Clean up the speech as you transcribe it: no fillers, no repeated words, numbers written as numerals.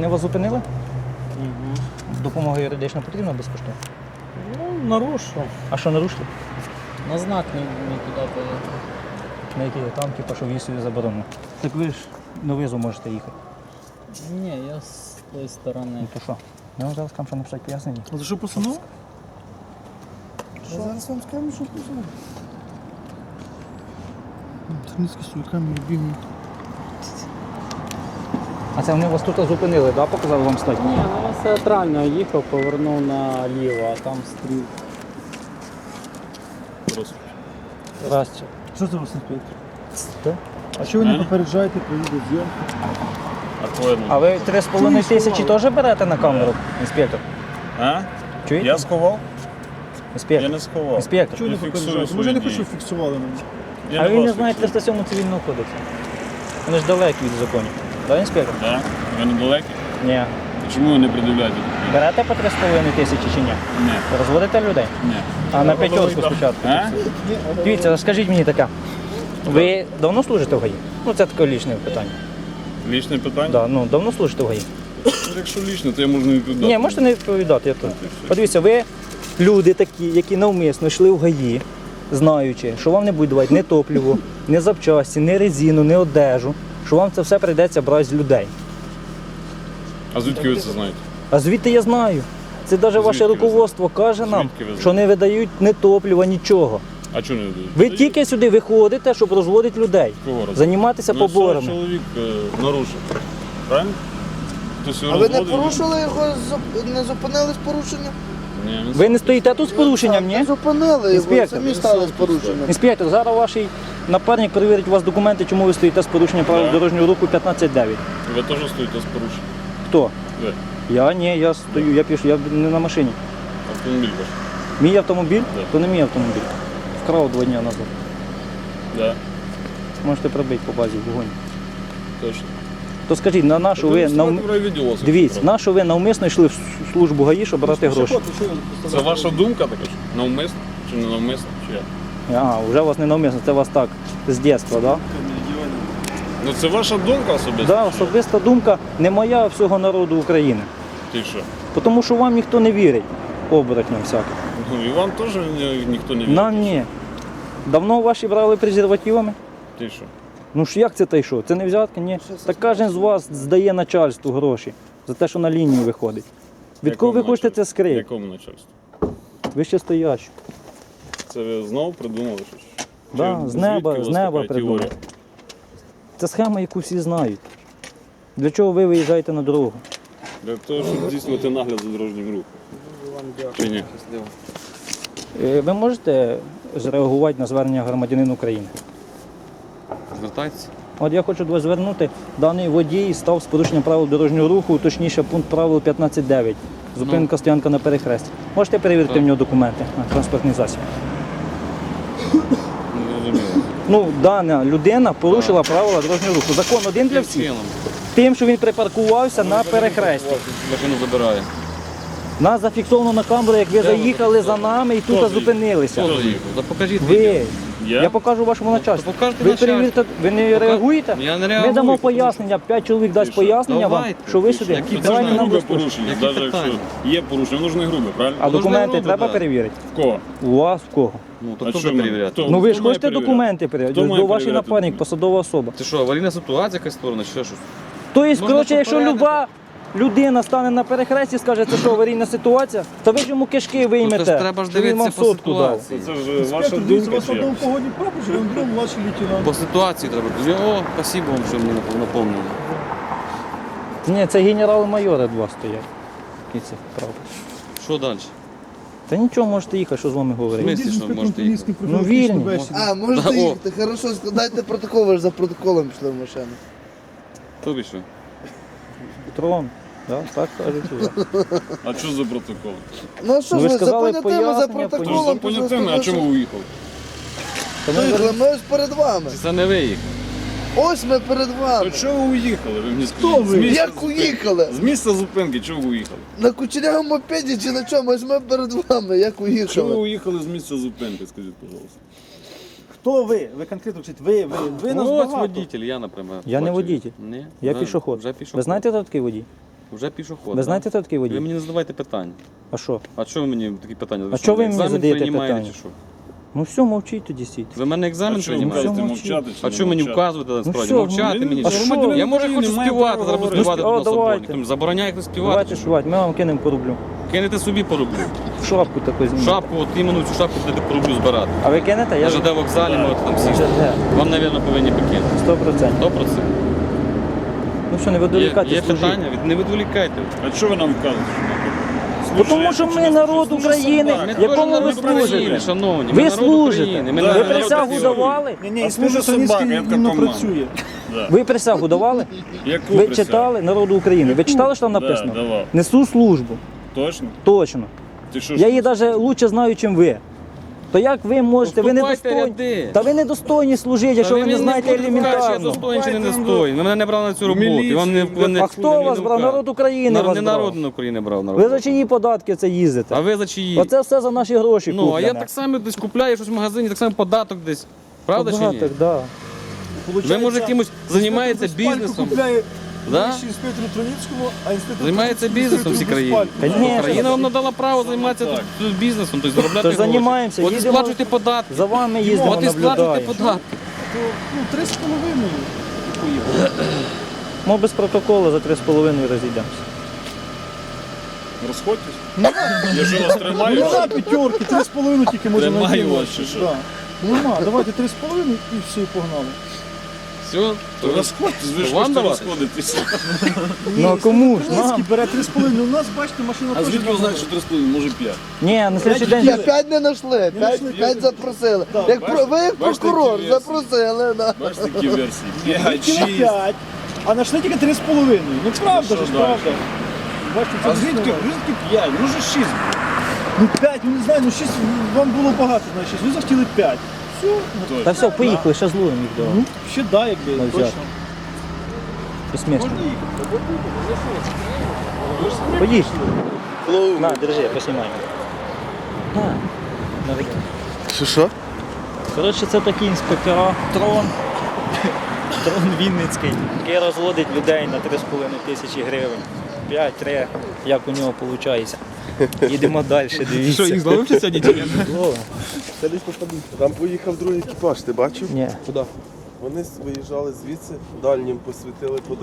вони вас зупинили? Угу. Допомога юридична потрібна безкоштовно? Ну, нарушив. А що нарушили? На знак не туди поїхав. На які там, типу, що в'їзд заборонено. Так ви ж на визу можете їхати. Ні, я з тої сторони. Ну то що? Я вам зараз вам що написати пояснення. А за що постанова? Зараз вам скажемо, що постанова. Тернівські сульками бігають. А це вони вас тут зупинили, да? Показали вам стать? Ні, ну я театрально їхав, повернув наліво, а там стрів. Здрасте. Що це у вас інспектор? Так? А що ви не попереджаєте про відеозйомку? А ви 3,5 тисячі теж берете на камеру, інспектор? А? Чуєте? Я сховав? Я Інспектор. не сховав. Інспектор. Чого не Я фіксую попереджаєте? Може, я не хочу, свої щоб фіксували мене. дії. А ви не вас знаєте фіксую. 307 цивільного кодексу? Вони ж далекі від законів. Так, інспектор? Так? Ви недалекі? Ні. Чому ви не пред'являєте? Берете по 3,5 тисячі чи ні? Ні. Розводите людей? Ні. А на п'ятерку спочатку? А? Дивіться, скажіть мені таке. Ви давно служите в ГАІ? Ну це таке лічне питання. Лічне питання? Да, ну, давно служите в ГАІ? Якщо лічне, то я можу не відповідати. Ні, можете не відповідати. Я тут. Подивіться, ви люди такі, які навмисно йшли в ГАІ, знаючи, що вам не будуть давати ні топливо, ні запчасті, ні резину, ні одежу, що вам це все прийдеться брати з людей. А звідки ви це знаєте? А звідти я знаю. Це навіть ваше Звідки ви руководство каже нам, Звідки ви знаєте? що не видають ні топлива, нічого. А чого не дають? Ви тільки сюди виходите, щоб розводити людей, Кого розводити? займатися Ну, цього поборами. чоловік нарушив. Правильно? Хтось його А ви не розводив? порушили його, не зупинили з порушенням? Ні, він Ви не стоїте тут з порушенням, ні? Не зупинили його, Інспектор. самі стали з порушенням. Інспектор, зараз ваш напарник перевірить у вас документи, чому ви стоїте з порушенням правил Так. дорожнього руху 15.9. Ви теж стоїте з порушенням. Хто? Ви. Я ні, я стою, я пишу, я не на машині. Автомобіль ваш. Мій автомобіль? Да. То не мій автомобіль. Вкрав 2 дні назад. Да, Можете пробити по базі вогонь. точно. То скажіть, на нашу ви дивіться, на що ви навмисно йшли в службу ГАІ, щоб брати гроші? Це ваша думка така ж? Навмисно чи не навмисно? Чи як? А, вже у вас не навмисно, це у вас так, з дитинства, так? Ну це ваша думка особиста? Да, особиста думка не моя, а всього народу України. Ти що? Тому що вам ніхто не вірить, оборотням всяким. Ну і вам теж ніхто не вірить. Нам ні. Давно ваші брали презервативами? Ти що? Ну ж як це та й що? Це не взятки? Ні. Так кожен з вас здає начальству гроші за те, що на лінію виходить. Від кого ви Якому хочете це начальству? скрити? Якому начальству? Ви ще стоячі. Це ви знову придумали щось? Да, Чи з неба звідки у вас така придумали. теорія? Це схема, яку всі знають. Для чого ви виїжджаєте на дорогу? Для того, щоб здійснювати нагляд за дорожнім рухом. Чи ні? Ви можете зреагувати на звернення громадянина України? Звертайтеся. От я хочу до вас звернути. Даний водій став з порушенням правил дорожнього руху, точніше пункт правил 15.9. Зупинка, стоянка на перехресті. Можете перевірити в нього документи на транспортний засіб? Не зрозуміло. Ну, дана людина порушила правила дорожнього руху. Закон один для всіх. Чином. Тим, що він припаркувався на перехресті. Машину забирає. Нас зафіксовано на камеру, як ви заїхали за нами і тут зупинилися. Хто заїхав? Та покажіть відео. Ви. Я? Я покажу вашому начальству. То покажете Ви начальству. перевірте, ви не реагуєте? Я не Ми реагую, дамо тому пояснення, 5 чоловік дасть пояснення вам, Давайте. що ви сюди. Які Це ж Давайте не нам грубе розповідь. порушення, Які навіть якщо питання? є порушення, воно ж не грубе, правильно? А Воно ж не документи грубе, треба да. перевірити? В кого? У вас в кого? Ну, то А хто що буде ми- перевіряти? хто? Ну ви ж має хочете перевіряти? документи перевіряти. Хто має До вашій перевіряти напарник, документи? посадова особа. Це що, аварійна ситуація якась створена, чи ще щось? Тобто, Можна коротше, якщо попередити. люба людина стане на перехресті і скаже, це що аварійна ситуація, то ви ж йому кишки виймете. Ну, це ж треба ж що він вам дивитися по сотку дав. ситуації. Це ж ваша Інспектор, дивіться, у думка вас чи одного як? погодні прапор, Андрій, младший лейтенант. По ситуації треба. О, спасибо вам, що мені напомнили. Ні, це генерал-майори два стоять. Які це правда. Що далі? Та нічого, можете їхати, що з вами В говорити. смислі, що можете їхати? Ну, вільні. А, можете Да, о. їхати, хорошо, складайте протокол, ви ж за протоколом пішли в машину. Тобі що? Трон. Да, так кажуть. А що за протокол? Ну а що Ну, ж ви ви, за сказали понятими, за пояснення, Тож за протоколом. понятими, а чому ви уїхали? Виїхали, ми ось перед вами. Чи це не ви їх? Ось ми перед То вами. чого ви уїхали? Ви мені Хто скажіть. ви? З місця Як зупинки. уїхали? З місця зупинки, чого ви уїхали? На кучерявому мопеді чи на чому? Ось ми перед вами, як Чого ви уїхали? уїхали з місця зупинки, скажіть, пожалуйста. Хто ви? Ви конкретно вчить, ви нас Ну, ось багато. водитель, я, наприклад. Я не Бачу. водитель. Ні? Я Вже- пішоход. Вже пішоход. Ви знаєте, хто такий водій? Вже пішоход. Ви знаєте, хто такий Ви водій? мені не задавайте питання. А що? А чого ви мені такі питання? А чого ви мені екзамен задаєте приймаєте питання? чи що? Ну все, мовчіть тоді стійте. Ви мене А екзамен що ви приймаєте? кажете, мовчіть. мовчати чи А не що мені мовчати? вказувати насправді? що, Мовчати ну, мені? а що? що? Я може хочу Немає співати, права зараз буду говорити. співати О, до нас давайте. обоє. Забороняє хтось співати. Давайте чи що? співати, ми вам кинемо порублю. Кинете собі пороблю. Шапку таку знімемо. Шапку, от іменно цю шапку будете пороблю збирати. А ви кинете? На Я ЖД вокзалі можете там сісти. ЖД. Вам, мабуть, повинні покинути. 100%. 100%. Ну що, не Є відволікати, служіть. питання? Не відволікайте. А що ви нам вказуєте? Бо тому що ми народ України, Ми теж якому ви народ України, служите. шановні. Ви Ми народ служите. України. Ми Да, Ви народ присягу України. давали? Ні, ні, А інспектор служить собака, Санінський яка іменно команда. працює. Да. Ви присягу давали? Яку Ви присягу? читали народу України? Ви читали, що там Да, написано? давав. Несу службу. Точно? Точно. Ти що Я її навіть краще знаю, ніж ви. То як ви можете? Ви Вступайте недостойні. ряди. Та ви недостойні служити, якщо ви не знаєте Я елементарно. достойний чи не достойний. Ви мене не брали на цю роботу. І вам не, А хто вас брав? Народ України вас Не брав. народ України брав. Ви за чиї податки це їздите? А ви за чиї? Оце все за наші гроші Ну, а я куплене. так само десь купляю щось в магазині, так само податок десь. Правда чи ні? Податок, да. Ви, може, якимось займаєтеся бізнесом? Купляє Да? вищий інспектор Троїцького, а інспектор Займається бізнесом в цій країні. Конечно. Країна вам надала право займатися тут бізнесом, тобто заробляти Тож гроші. займаємося, От і їдемо- сплачуйте податки. За вами їздимо, От і сплачуйте наблюдаємо. податки. Ну, 3,5. Ми без протоколу за 3,5 розійдемося. Розходьтесь? Я що вас тримаю? Нема п'ятерки, 3,5 тільки можна Тримаю наділити. вас, чи що? Да. Нема, давайте 3,5 і все, і погнали. Все, То розходьтесь, ви ж Вам хочете давати? розходитися. Ну а кому ж? Троїцький Нам? бере 3,5, у нас, бачите, машина А теж звідки ви нормальна. знаєте, що 3,5, може 5? Ні, на слідчий день. Ні, 5 не знайшли, 5 запросили. Як ви як бачите, прокурор які запросили, да. Бачите, такі версії? 5, Тільки на 6. 5, а знайшли тільки 3,5. Ну правда що ж, далі? правда. Бачите, це А звідки 5? Може 6? Ну 5, ну не знаю, ну 6 вам було багато, значить, ви захотіли 5. Все, Та все, поїхали, ще зловимо їх до. ну ще да, якби, Ну, точно. взяти. Смішно. Поїхали. На, держи, поснімай. На. На, Що? коротше, це такі інспектора. Трон. Трон Вінницький, який розводить людей на 3,5 тисячі гривень. 5-3, як у нього виходить. Їдемо далі, дивіться. Що, їх зловився сьогодні чи ні? Там поїхав другий екіпаж, ти бачив? Ні. Вони виїжджали звідси, дальнім посвітили по